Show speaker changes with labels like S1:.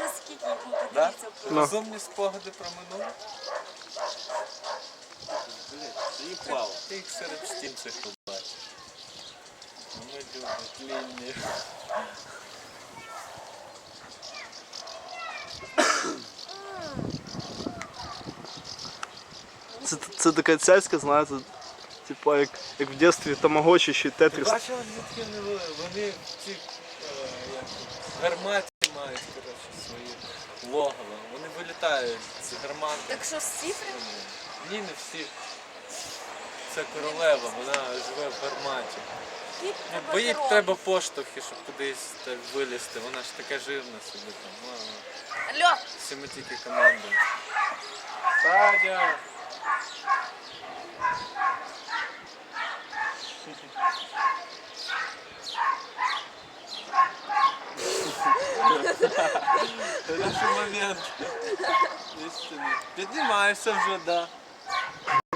S1: скільки йому
S2: Да?
S1: подивіться.
S2: Розумні спогади про минуле.
S3: Заїбало.
S2: Ти їх серед стін цих побачиш. Вони люблять лінії.
S4: Це така цяцька, знаєте, типа як в дитинстві тамагочі чи
S2: Ти
S4: тетріс.
S2: бачила, звідки вони ці гармати мають, коротше, свої логова. Вони вилітають з гармати.
S1: Так що всі прям?
S2: Ні, не всі. Це королева, вона живе в гарматі. Ну, бо їй треба поштовхи, щоб кудись так вилізти. Вона ж така жирна собі там.
S1: Алло!
S2: Всі ми тільки командуємо. Садя! Хороший момент. Піднімаєшся вже, да.